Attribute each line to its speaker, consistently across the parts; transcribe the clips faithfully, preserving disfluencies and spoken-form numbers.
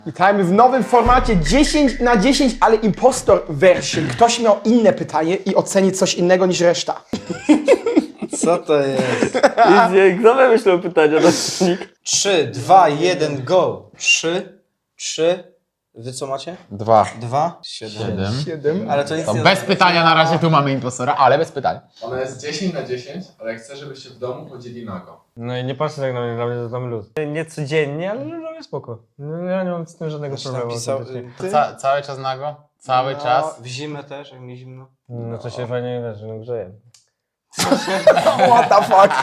Speaker 1: Witajmy w nowym formacie dziesięć na dziesięć, ale impostor version. Ktoś miał inne pytanie i oceni coś innego niż reszta.
Speaker 2: Co to jest?
Speaker 3: Easy, kto wymyślał pytania na silnik?
Speaker 2: trzy, dwa, jeden, go. trzy, trzy. Wy co macie?
Speaker 4: Dwa.
Speaker 2: dwa, siedem.
Speaker 4: Siedem.
Speaker 1: siedem.
Speaker 2: Ale to nic
Speaker 4: To
Speaker 2: nie
Speaker 4: bez pytania na razie tu mamy impostora, ale bez pytań.
Speaker 5: Ona jest dziesięć na dziesięć, ale chcę, żebyście w domu chodzili nago.
Speaker 3: No i nie patrzcie tak na mnie, dla mnie to tam luz. Nie codziennie, ale dla mnie spoko. No, ja nie mam z tym żadnego problemu.
Speaker 2: Napisał,
Speaker 3: autentycznie.
Speaker 2: ty?
Speaker 4: Ca cały czas nago? Cały
Speaker 2: No,
Speaker 4: czas?
Speaker 2: W zimę też, jak mi zimno.
Speaker 3: No to się fajnie leży, no grzeje.
Speaker 1: What the fuck?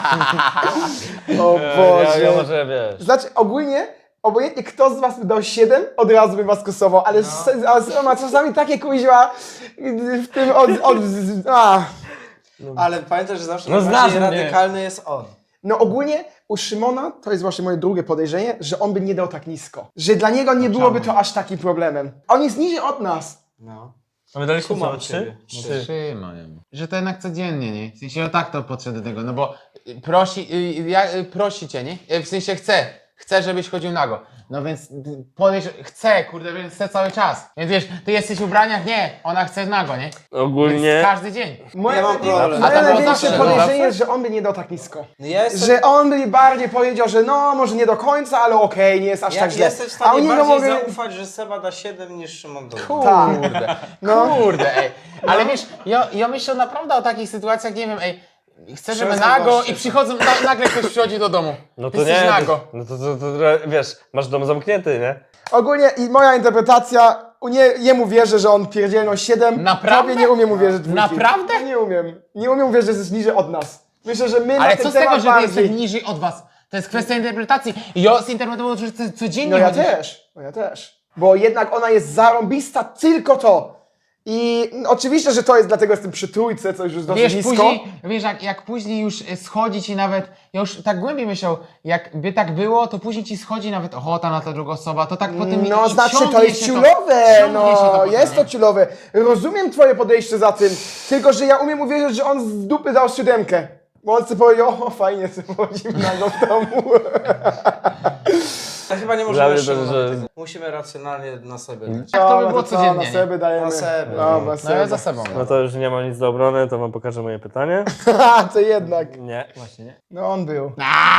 Speaker 1: O
Speaker 3: Ja,
Speaker 1: Boże.
Speaker 3: ja może wiesz.
Speaker 1: Znaczy ogólnie, obojętnie kto z was by dał siedem, od razu bym was kosował, ale, no. ale ma czasami takie kuźwa w tym od... od a.
Speaker 2: Ale pamiętaj, że zawsze
Speaker 3: No
Speaker 2: najbardziej
Speaker 3: znasz mnie.
Speaker 2: radykalny jest on.
Speaker 1: No ogólnie u Szymona, to jest właśnie moje drugie podejrzenie, że on by nie dał tak nisko. Że dla niego nie byłoby to aż takim problemem. On jest niżej od nas.
Speaker 2: No.
Speaker 3: A my daliśmy
Speaker 2: Kumam
Speaker 3: co,
Speaker 2: ciebie.
Speaker 3: trzy?
Speaker 2: Trzy.
Speaker 4: Trzymają. Że to jednak codziennie, nie? W sensie ja tak to podszedł do tego, no bo y, prosi, y, ja, y, prosi cię, nie? Y, W sensie chce, chce, żebyś chodził nago. No więc y, powiedz, że chce, kurde, więc chce cały czas. Więc wiesz, ty jesteś w ubraniach? Nie, ona chce nago, nie?
Speaker 3: Ogólnie...
Speaker 4: Więc każdy dzień.
Speaker 1: Moje,
Speaker 2: Ja mam problem.
Speaker 1: moje
Speaker 4: A to było
Speaker 1: największe
Speaker 4: zawsze,
Speaker 1: podejrzenie
Speaker 4: zawsze?
Speaker 1: jest, że on by nie dał tak nisko.
Speaker 2: No ja jestem,
Speaker 1: Że on by bardziej powiedział, że no, może nie do końca, ale okej, nie jest aż
Speaker 2: ja,
Speaker 1: tak źle.
Speaker 2: jestem w
Speaker 1: A
Speaker 2: stanie
Speaker 1: u niego
Speaker 2: bardziej
Speaker 1: mogę...
Speaker 2: zaufać, że Seba da siedem niż Szymon Dolny.
Speaker 4: Kurde,
Speaker 1: No.
Speaker 4: kurde, ej. Ale wiesz, ja, ja myślę naprawdę o takich sytuacjach, nie wiem, ej, chcę, żeby
Speaker 2: Przestań
Speaker 4: nago
Speaker 2: właśnie.
Speaker 4: i przychodzą, na, nagle ktoś przychodzi do domu.
Speaker 3: No
Speaker 4: Ty
Speaker 3: to
Speaker 4: jesteś
Speaker 3: nie,
Speaker 4: nago.
Speaker 3: to, no to, to, to, to wiesz, masz dom zamknięty, nie?
Speaker 1: Ogólnie i moja interpretacja, u nie, jemu wierzę, że on pierdzielną siedem.
Speaker 4: Naprawdę?
Speaker 1: Tobie nie umiem uwierzyć dwójki.
Speaker 4: Naprawdę?
Speaker 1: Nie umiem. Nie umiem uwierzyć, że jest niżej od nas. Myślę, że my na
Speaker 4: Ale
Speaker 1: ten
Speaker 4: co z tego,
Speaker 1: temat
Speaker 4: że ty
Speaker 1: bardziej...
Speaker 4: jesteś niżej od was? To jest kwestia interpretacji. Ja zinterpretowałem, że ty codziennie
Speaker 1: No ja
Speaker 4: chodzisz.
Speaker 1: też, no ja też. Bo jednak ona jest zarąbista tylko to. I no, oczywiście, że to jest, dlatego jestem przy trójce, co już jest dosyć
Speaker 4: Wiesz,
Speaker 1: nisko.
Speaker 4: później, wiesz, jak, jak później już e, schodzi ci nawet, ja już tak głębiej myślał, jakby tak było, to później ci schodzi nawet ochota na ta druga osoba, to tak potem
Speaker 1: No
Speaker 4: i
Speaker 1: znaczy,
Speaker 4: ciągnie
Speaker 1: to jest
Speaker 4: się
Speaker 1: ciulowe,
Speaker 4: ciągnie
Speaker 1: no
Speaker 4: się to potem,
Speaker 1: jest to
Speaker 4: nie?
Speaker 1: ciulowe. Rozumiem twoje podejście za tym, tylko że ja umiem uwierzyć, że on z dupy dał siódemkę. Bo on sobie powiedział, o fajnie, sobie chodzimy na go w domu.
Speaker 2: To chyba nie
Speaker 3: Dla
Speaker 2: możemy
Speaker 3: mnie to,
Speaker 2: Szymona
Speaker 3: że-
Speaker 2: tego. Musimy racjonalnie na sobie dać.
Speaker 4: Tak to by
Speaker 1: No,
Speaker 4: było
Speaker 1: co,
Speaker 4: codziennie,
Speaker 1: Na
Speaker 4: nie?
Speaker 1: sobie dajemy.
Speaker 2: Na sobie.
Speaker 1: No, na
Speaker 4: No
Speaker 1: sobie.
Speaker 4: ja za sobą.
Speaker 3: No to już nie mam nic do obrony, to wam pokażę moje pytanie.
Speaker 1: Haha, to jednak.
Speaker 3: Nie, właśnie nie.
Speaker 1: No on był.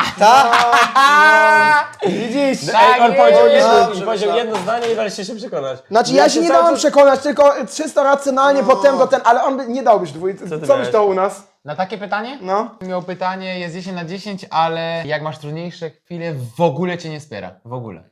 Speaker 4: Tak!
Speaker 1: Widzisz?
Speaker 4: Ej, on powiedział
Speaker 2: jedno-
Speaker 3: jedno,
Speaker 2: Dobrze,
Speaker 3: powiedział
Speaker 2: myślałem.
Speaker 3: jedno zdanie i daliście się przekonać.
Speaker 1: Znaczy ja,
Speaker 3: Ja
Speaker 1: się
Speaker 3: się
Speaker 1: nie
Speaker 3: cały
Speaker 1: dałem
Speaker 3: czas-
Speaker 1: przekonać, tylko czysto racjonalnie potem do ten, ale on by nie dałbyś dwójcy. Co,
Speaker 3: ty
Speaker 1: byś
Speaker 3: miałeś?
Speaker 1: dał u nas?
Speaker 4: Na takie pytanie?
Speaker 1: No.
Speaker 4: Miał pytanie, jest dziesięć na dziesięć, ale jak masz trudniejsze chwile, w ogóle cię nie wspiera. W ogóle.